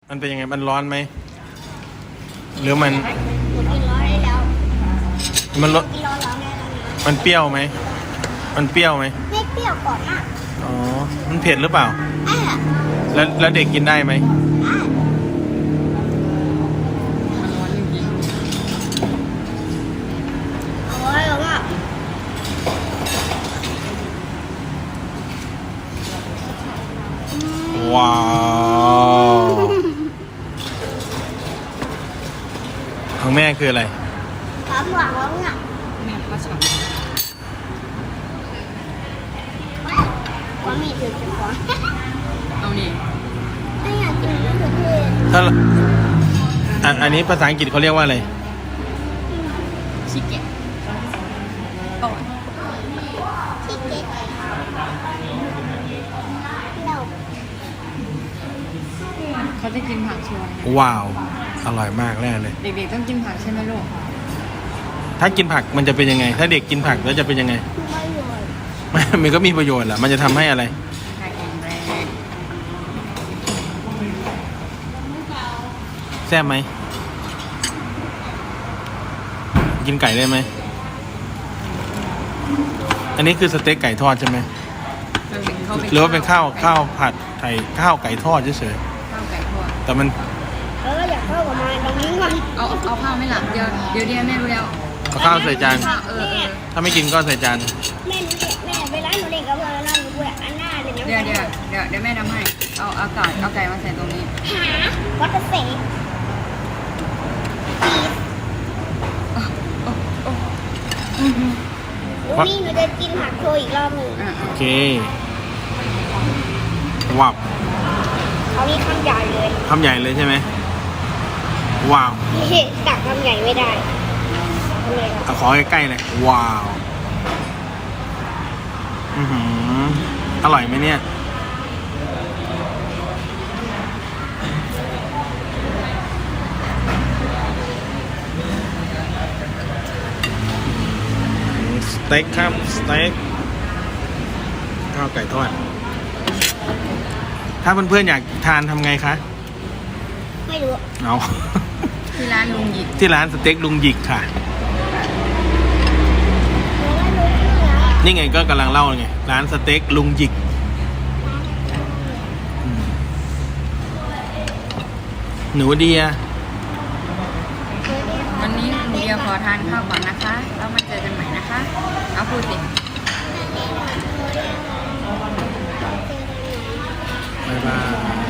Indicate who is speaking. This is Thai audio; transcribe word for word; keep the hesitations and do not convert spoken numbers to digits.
Speaker 1: มันเป็นยังไงมันร้อนไหมหรือมัน
Speaker 2: หนูกินร้อนได้แล้ว
Speaker 1: มันรส
Speaker 2: กินร้อนร้อนได้แล้ว
Speaker 1: มันเปรี้ยวไหมมันเปรี้ยวไหม
Speaker 2: ไม่เปรี้ยวก่อนอ่ะ
Speaker 1: อ๋อมันเผ็ดหรือเปล่า
Speaker 2: อ่ะ
Speaker 1: แล้วแล้วเด็กกินได้ไหม
Speaker 2: อ่ะ
Speaker 3: มันร้อนจริง
Speaker 2: โอ้ยร้อนอ่ะ
Speaker 1: ว้าวของแม่คืออะไร
Speaker 2: ความหวานร้อนอ่ะ
Speaker 3: ๆแม่ก็ชอบ
Speaker 2: ความมีถึงจะขอ
Speaker 3: เอานี่
Speaker 2: ไม่อยากกินมะเขือเทศ
Speaker 1: ถ้าอันอันนี้ภาษาอังกฤษเขาเรียกว่าอะไร
Speaker 3: ชิเกะโอ้ย
Speaker 2: ที่เก๊กเรา
Speaker 3: เขาจะกินผักชัวร์
Speaker 1: ว้าว อร่อยมากแน่เลย
Speaker 3: เด็กๆต้องกินผักใช่ไหมลูก
Speaker 1: ถ้ากินผักมันจะเป็นยังไง ถ้าเด็กกินผักแล้วจะเป็นยังไง
Speaker 2: ไม่รวย
Speaker 1: มันก็มีประโยชน์แหละมันจะทำให้อะไร
Speaker 3: ผักแข็งแรง
Speaker 1: แซ่บไหม กินไก่ได้ไหม อันนี้คือสเต็กไก่ทอดใช่ไหม
Speaker 3: มันเป็นเขา
Speaker 1: หรือว่าเป็นข้าวข้าวผัดไก่ข้าวไก่ทอดเฉย
Speaker 3: ข้าวไก่ทอด
Speaker 1: ๆแต่มัน
Speaker 2: เอออยากเข้ากับมาตรงนี้มัน
Speaker 3: เอาเอาข้าวไหม่หลับเดี๋ยวเดี๋ยวเดี๋ยวแม่รู้แล้ว
Speaker 1: เอาข้าวใส่จาน
Speaker 3: ข้าวเออเออ
Speaker 1: ถ้าไม่กินก็ใส่จาน
Speaker 2: แม่หนูเด็กแม่เวลาหนูเด็กกับเพื่อนแล้วหนูพูดอันหน้าเลยนะ
Speaker 3: เดี๋ยวเดี๋ยวเดี๋ยวเดี๋ยวแม่ทำให้ เอาเอาไก่เอาไก่มาใส่ตรงนี้
Speaker 2: หาวัตเสก หนูนี่หนูจะกินผักโชยอีกรอบหนึ่ง
Speaker 3: อ่ะ
Speaker 1: โอเคว้าว
Speaker 2: เขานี่คำใหญ่เลย
Speaker 1: คำใหญ่เลยใช่ไหมว้าว
Speaker 2: นี่ตักคำใหญ่ไม่ได้ทำไงครับ
Speaker 1: เอาขอใกล้ๆเลยว้าวอือหืออร่อยไหมเนี่ยสเต็กครับสเต็กข้าวไก่ทอดถ้าเพื่อนๆอยากทานทำไงคะ
Speaker 2: ไม่รู้
Speaker 1: เอา
Speaker 3: ที่ร้านลุงหยิก
Speaker 1: ที่ร้านสเต็กลุงหยิกค่ะ
Speaker 2: หนูไม่รู้ชื่อแล้ว
Speaker 1: นี่ไงก็กำลังเล่าไงร้านสเต็กลุงหยิกอืมหนูเดีย
Speaker 3: วันนี้หนูเดียวขอทานข้าวก่อนนะคะ แล้วมาเจอกันใหม่นะคะ เอาพูดสิ
Speaker 1: บ๊ายบาย